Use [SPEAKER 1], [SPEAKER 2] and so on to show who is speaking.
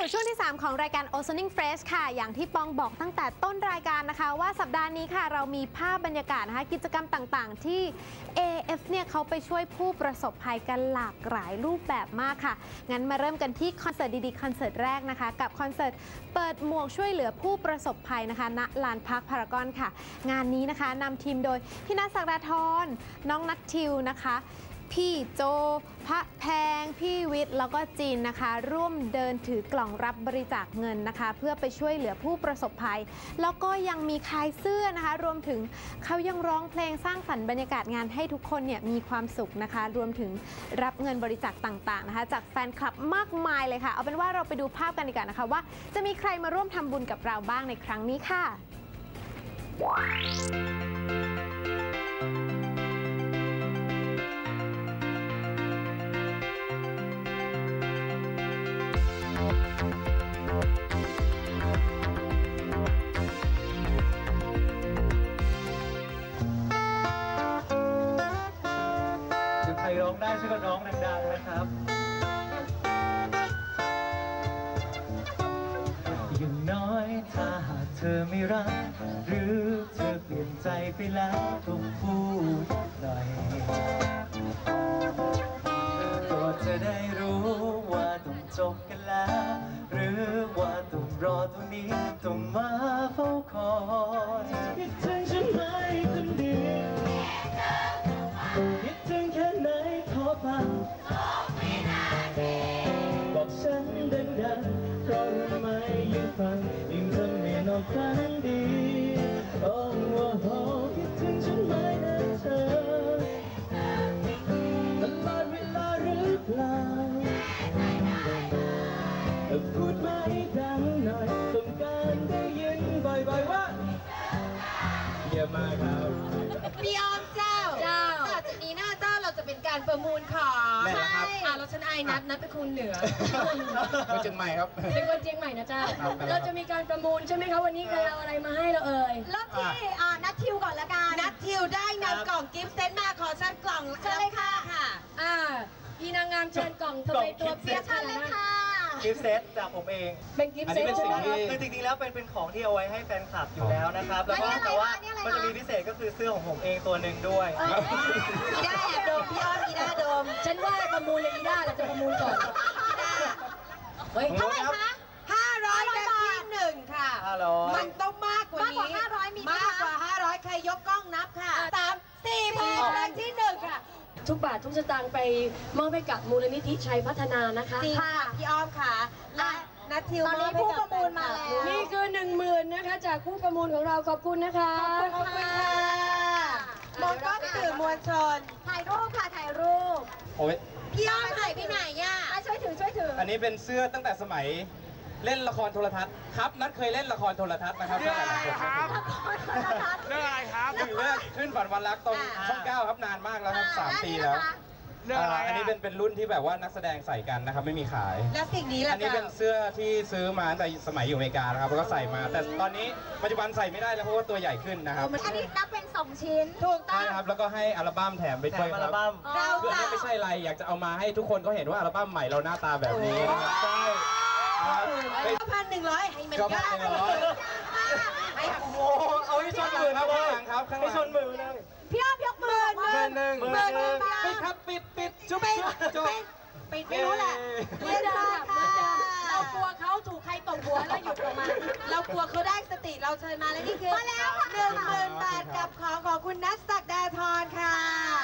[SPEAKER 1] สู่ช่วงที่ 3 ของรายการ Ozoning Fresh ค่ะอย่างที่ปองบอกตั้งแต่ต้นรายการนะคะว่าสัปดาห์นี้ค่ะเรามีภาพบรรยากาศนะคะกิจกรรมต่างๆที่ AF เนี่ยเขาไปช่วยผู้ประสบภัยกันหลากหลายรูปแบบมากค่ะงั้นมาเริ่มกันที่คอนเสิร์ตดีๆคอนเสิร์ตแรกนะคะกับคอนเสิร์ตเปิดหมวกช่วยเหลือผู้ประสบภัยนะคะณลานพักพารากอนค่ะงานนี้นะคะนำทีมโดยพี่ณัฐ ศักดาธรน้องนัททิวนะคะพี่โจพระแพงพี่วิทย์แล้วก็จีนนะคะร่วมเดินถือกล่องรับบริจาคเงินนะคะเพื่อไปช่วยเหลือผู้ประสบภัยแล้วก็ยังมีขายเสื้อนะคะรวมถึงเขายังร้องเพลงสร้างสรรค์บรรยากาศงานให้ทุกคนเนี่ยมีความสุขนะคะรวมถึงรับเงินบริจาคต่างๆนะคะจากแฟนคลับมากมายเลยค่ะเอาเป็นว่าเราไปดูภาพกันดีกว่านะคะว่าจะมีใครมาร่วมทำบุญกับเราบ้างในครั้งนี้ค่ะ
[SPEAKER 2] ใครร้องได้ช่วยกันร้องดังๆนะครับอย่างน้อยถ้าหากเธอไม่รักหรือเธอเปลี่ยนใจไปแล้วต้องพูดหน่อยก็จะได้รู้ว่าต้องจบกันแล้วหรือว่าต้องรอตรงนี้ต้องมาเฝ้าคอยคิดถึงฉันไหมคนดีคิดถึงแค่ไหนขอฟังบอกฉันดังๆเพราะรู้ไหมยิ่งฟังยิ่งทำให้นอนฝันดีโอ้โหคิดถึงฉันไหมนะเธอตลอดเวลาหรือเปล่าพูดมาให้ดังหน่อยต้องการได้ยินบ่อยๆว่าเยี่ยมมากครับ
[SPEAKER 3] พี่ออมเจ้าต่อจากนี้หน้าเจ้าเราจะเป็นการประมูลของ
[SPEAKER 2] ใช่
[SPEAKER 3] แล้วฉันไอ้นัทเป็นคนเหนือ
[SPEAKER 2] คนเชียงใหม่ครับ
[SPEAKER 3] เป็นคนเชียงใหม่นะเจ้าเราจะมีการประมูลใช่ไหมคะวันนี้ใครเอาอะไรมาให้เราเอ่ย
[SPEAKER 4] เริ่มที่นัททิวก่อนละกัน
[SPEAKER 3] นัททิวได้นำกล่องกิฟต์เซตมาขอเชิญกล่อง
[SPEAKER 4] เชิญเลยค่ะ
[SPEAKER 3] พี่นางงามเชิญกล่องทำไมตัวเปียก
[SPEAKER 4] เชิญเลยค่ะ
[SPEAKER 2] กิฟต์เซตจากผมเอง
[SPEAKER 3] เป็นกิฟต์เซตใช่ไหมครับ
[SPEAKER 2] คือจริงๆแล้วเป็นของที่เอาไว้ให้แฟนคลับอยู่แล้วนะครับแล้วก็แต่ว่ามันจะมีพิเศษก็คือเสื้อของผมเองตัวหนึ่งด้วย
[SPEAKER 4] อีด้าแอบดมพี่อ้อมอีด้าดม
[SPEAKER 3] ฉันว่าประมูลเลยอีด้าเราจะประมูลก่อน
[SPEAKER 4] เท่าไหร่คะ
[SPEAKER 3] 500แบบที่1ค่ะมันต้องมากกว่านี้
[SPEAKER 4] มากกว่า500มี
[SPEAKER 3] มากกว่า500ใครยกกล้องนับค่ะ3 4เพลงแบบที่1ค่ะทุกบาททุกสตางค์ไปมอบให้กับมูลนิธิชัยพัฒนานะคะ
[SPEAKER 4] ค่ะพี่อ้อมค่ะและนัททิวตอนนี้ผู้ประมูลมาแล้ว
[SPEAKER 3] นี่คือ10,000นะคะจากผู้ประมูลของเราขอบคุณนะคะ
[SPEAKER 4] ขอบคุณค่ะมองกล้องสื่อมวลชนถ่ายรูปค่ะถ่ายรูป
[SPEAKER 2] โอ้ย
[SPEAKER 4] พี่อ้อมถ่ายพี่ไหนย่ะช่วยถือ
[SPEAKER 2] อันนี้เป็นเสื้อตั้งแต่สมัยเล่นละครโทรทัศน์ครับนัทเคยเล่นละครโทรทัศน์นะครับ
[SPEAKER 5] เรื่องอะไรครับเรื่องอะไรครับ
[SPEAKER 2] เรื่องขึ้นฝันวันรักตรงช่อง 9ครับนานมากแล้วครับ3 ปีแล้ว
[SPEAKER 5] เรื่องอะไร
[SPEAKER 2] อันนี้เป็นรุ่นที่แบบว่านักแสดงใส่กันนะครับไม่มีขาย
[SPEAKER 4] แล้วสิ่งนี้ล่ะ
[SPEAKER 2] อันนี้เป็นเสื้อที่ซื้อมาตั้งแต่สมัยอยู่อเมริกานะครับแล้วก็ใส่มาแต่ตอนนี้ปัจจุบันใส่ไม่ได้แล้วเพราะว่าตัวใหญ่ขึ้นนะครับ
[SPEAKER 4] อันนี้นับเป็น2 ชิ้น
[SPEAKER 3] ถูกต้อง
[SPEAKER 2] ใช่ครับแล้วก็ให้อัลบั้มแถมไปด้วยครับคืออันนี้ไม่ใช่อะไรอยากจะเอามาให้ทุกคนก็เห็นว่าอัลบั้มใหม่เราหน้าตาแบบนี้นะครับใช่
[SPEAKER 3] 1,100ให้มัน
[SPEAKER 2] ก็1,100ให้โอ้โหเอาให้ชนมือครับข้างหลังครับให้ชนมือเลย
[SPEAKER 4] พี่อ้อมยกมือ
[SPEAKER 2] หนึ่งปิดครับปิดจุ๊บ
[SPEAKER 4] ปิดไม่รู้แหละ
[SPEAKER 3] เล่นค่ะเรากลัวเขาถูกใครตบหัวแล้วหยุดออกมาเรากลัวเขาได้สติเราเชิญมาแล้วนี่คือ
[SPEAKER 4] มาแล้วค่ะ
[SPEAKER 3] 10,000 บาทกับของคุณณัฐ ศักดาธรค่ะ